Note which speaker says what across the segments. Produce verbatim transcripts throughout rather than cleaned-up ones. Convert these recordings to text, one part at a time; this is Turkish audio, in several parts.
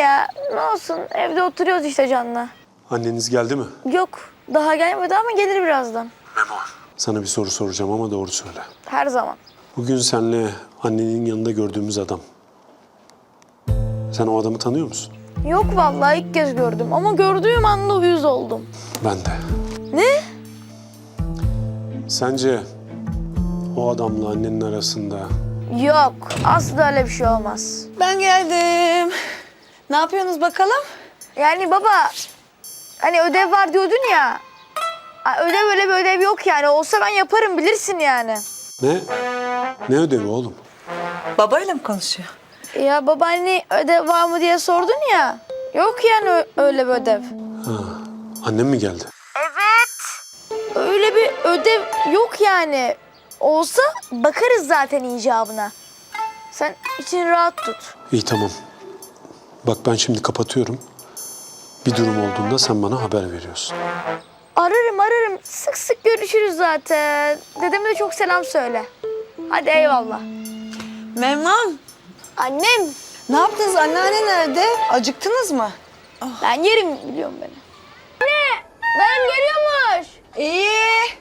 Speaker 1: ya. Ne olsun, evde oturuyoruz işte Can'la.
Speaker 2: Anneniz geldi mi?
Speaker 1: Yok, daha gelmedi ama gelir birazdan.
Speaker 2: Memo. Sana bir soru soracağım ama doğru söyle.
Speaker 1: Her zaman.
Speaker 2: Bugün senle annenin yanında gördüğümüz adam. Sen o adamı tanıyor musun?
Speaker 1: Yok vallahi ilk kez gördüm ama gördüğüm anda uyuz oldum.
Speaker 2: Ben de.
Speaker 1: Ne?
Speaker 2: Sence o adamla annenin arasında...
Speaker 1: Yok, asla öyle bir şey olmaz.
Speaker 3: Ben geldim. Ne yapıyorsunuz bakalım?
Speaker 1: Yani baba, hani ödev var diyordun ya. Ha, ödev öyle bir ödev yok yani. Olsa ben yaparım bilirsin yani.
Speaker 2: Ne? Ne ödevi oğlum?
Speaker 3: Babayla mı konuşuyor?
Speaker 1: Ya baba hani ödev var mı diye sordun ya. Yok yani ö- öyle bir ödev.
Speaker 2: Ha, annem mi geldi?
Speaker 1: Evet. Öyle bir ödev yok yani. Olsa bakarız zaten icabına. Sen için rahat tut.
Speaker 2: İyi tamam. Bak ben şimdi kapatıyorum. Bir durum olduğunda sen bana haber veriyorsun.
Speaker 1: Ararım ararım. Sık sık görüşürüz zaten. Dedeme de çok selam söyle. Hadi eyvallah.
Speaker 3: Memnun.
Speaker 1: Annem.
Speaker 3: Ne yaptınız? Anneanne nerede? Acıktınız mı?
Speaker 1: Ben yerim biliyorum beni. Anne! Dayım geliyormuş.
Speaker 3: İyi.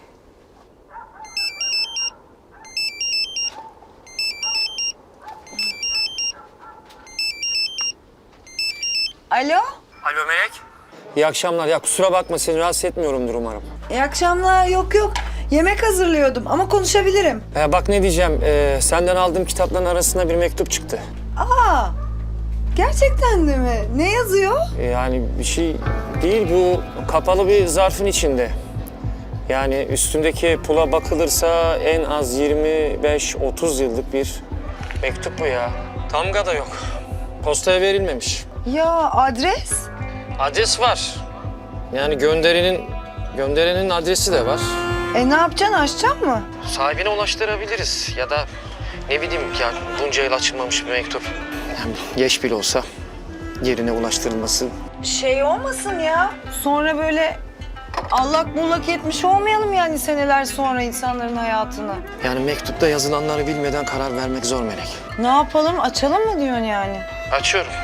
Speaker 3: Alo.
Speaker 4: Alo Melek. İyi akşamlar. Ya kusura bakma seni rahatsız etmiyorumdur umarım.
Speaker 3: İyi akşamlar. Yok yok. Yemek hazırlıyordum ama konuşabilirim.
Speaker 4: Ee, bak ne diyeceğim. Ee, senden aldığım kitapların arasında bir mektup çıktı.
Speaker 3: Aa. Gerçekten de mi? Ne yazıyor?
Speaker 4: Ee, yani bir şey değil, bu kapalı bir zarfın içinde. Yani üstündeki pula bakılırsa en az yirmi beş otuz yıllık bir mektup bu ya. Damga da yok. Postaya verilmemiş.
Speaker 3: Ya adres?
Speaker 4: Adres var. Yani gönderinin gönderenin adresi de var.
Speaker 3: E ne yapacaksın? Açacaksın mı?
Speaker 4: Sahibine ulaştırabiliriz ya da ne bileyim ya bunca yıl açılmamış bir mektup. Yani geç bile olsa yerine ulaştırılması.
Speaker 3: Şey olmasın ya. Sonra böyle allak bullak etmiş olmayalım yani seneler sonra insanların hayatına.
Speaker 4: Yani mektupta yazılanları bilmeden karar vermek zor Melek.
Speaker 3: Ne yapalım? Açalım mı diyorsun yani?
Speaker 4: Açıyorum.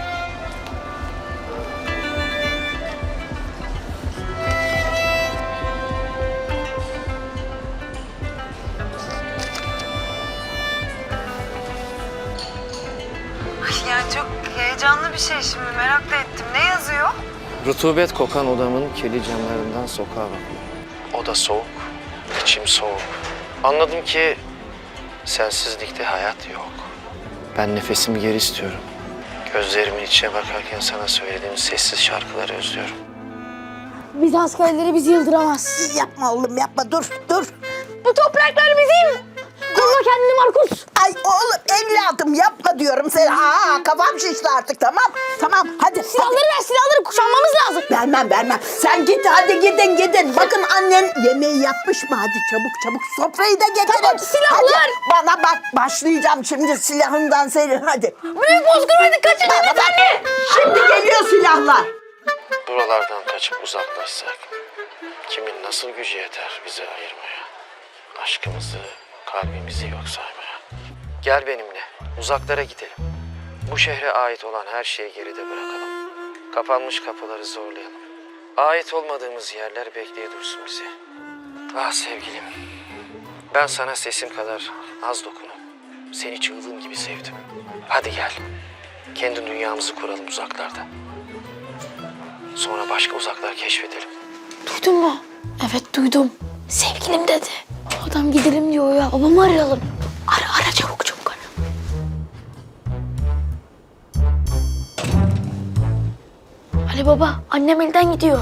Speaker 3: Yani çok heyecanlı bir şey şimdi. Merak da ettim. Ne yazıyor?
Speaker 4: Rutubet kokan odamın kirli camlarından sokağa bakıyorum. Oda soğuk, içim soğuk. Anladım ki sensizlikte hayat yok. Ben nefesimi geri istiyorum. Gözlerimin içine bakarken sana söylediğim sessiz şarkıları özlüyorum.
Speaker 1: Biz askerleri bizi yıldıramaz.
Speaker 5: Yapma oğlum yapma dur dur.
Speaker 1: Bu topraklar bizim. Koruma kendini Markus.
Speaker 5: Ay oğlum evladım yapma diyorum sen. Aa kafam şişti artık tamam. Tamam hadi.
Speaker 1: Silahları ver silahları kuşanmamız lazım.
Speaker 5: hadi. Vermem vermem. Sen git hadi gidin gidin. Bakın annen yemeği yapmış mı? Hadi çabuk çabuk sofrayı da getirin.
Speaker 1: Tamam, silahlar.
Speaker 5: Hadi, bana bak başlayacağım şimdi silahından senin hadi.
Speaker 1: Büyük bozkırmaydı kaçın
Speaker 5: Bana bak.
Speaker 1: anne.
Speaker 5: Şimdi geliyor silahlar.
Speaker 4: Buralardan kaçıp uzaklaşsak kimin nasıl gücü yeter bizi ayırmaya? Aşkımızı, kalbimizi yok saymaya. Gel benimle, uzaklara gidelim. Bu şehre ait olan her şeyi geride bırakalım. Kapanmış kapıları zorlayalım. Ait olmadığımız yerler bekleye dursun bizi. Ah sevgilim, ben sana sesim kadar az dokunup seni çığlığım gibi sevdim. Hadi gel, kendi dünyamızı kuralım uzaklarda. Sonra başka uzaklar keşfedelim.
Speaker 1: Duydun mu? Evet duydum. Sevgilim dedi. O adam gidelim diyor ya. Babamı arayalım. Ara ara çabuk çabuk ara. Ali baba annem elden gidiyor.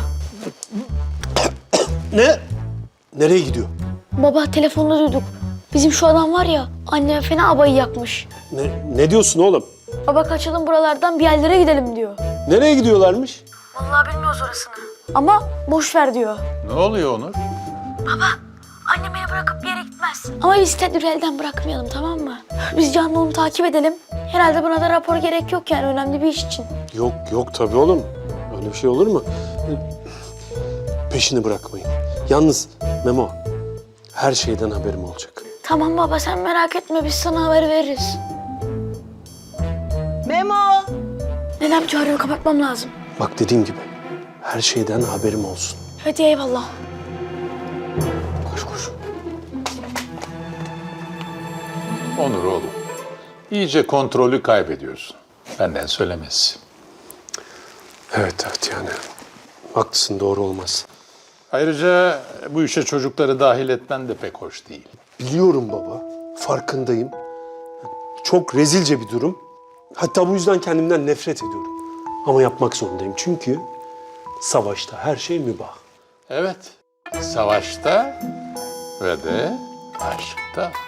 Speaker 2: Ne? Nereye gidiyor?
Speaker 1: Baba telefonda duyduk. Bizim şu adam var ya annem fena abayı yakmış.
Speaker 2: Ne, ne diyorsun oğlum?
Speaker 1: Baba kaçalım buralardan bir yerlere gidelim diyor.
Speaker 2: Nereye gidiyorlarmış?
Speaker 1: Vallahi bilmiyoruz orasını. Ama boş ver diyor.
Speaker 6: Ne oluyor Onur?
Speaker 1: Annem beni bırakıp bir yere gitmez. Ama biz tedbiri elden bırakmayalım tamam mı? Biz Can'la onu takip edelim. Herhalde buna da rapor gerek yok yani önemli bir iş için.
Speaker 2: Yok yok tabii oğlum. Öyle bir şey olur mu? Peşini bırakmayın. Yalnız Memo, her şeyden haberim olacak.
Speaker 1: Tamam baba sen merak etme biz sana haber veririz.
Speaker 3: Memo.
Speaker 1: Dedem çağırıyor, kapatmam lazım.
Speaker 2: Bak dediğim gibi her şeyden haberim olsun.
Speaker 1: Hadi eyvallah.
Speaker 2: Koş koş.
Speaker 6: Onur oğlum, iyice kontrolü kaybediyorsun. Benden söylemesi.
Speaker 2: Evet evet yani. Haklısın, doğru olmaz.
Speaker 6: Ayrıca bu işe çocukları dahil etmen de pek hoş değil.
Speaker 2: Biliyorum baba. Farkındayım. Çok rezilce bir durum. Hatta bu yüzden kendimden nefret ediyorum. Ama yapmak zorundayım. Çünkü savaşta her şey mübah.
Speaker 6: Evet, savaşta ve de aşkta.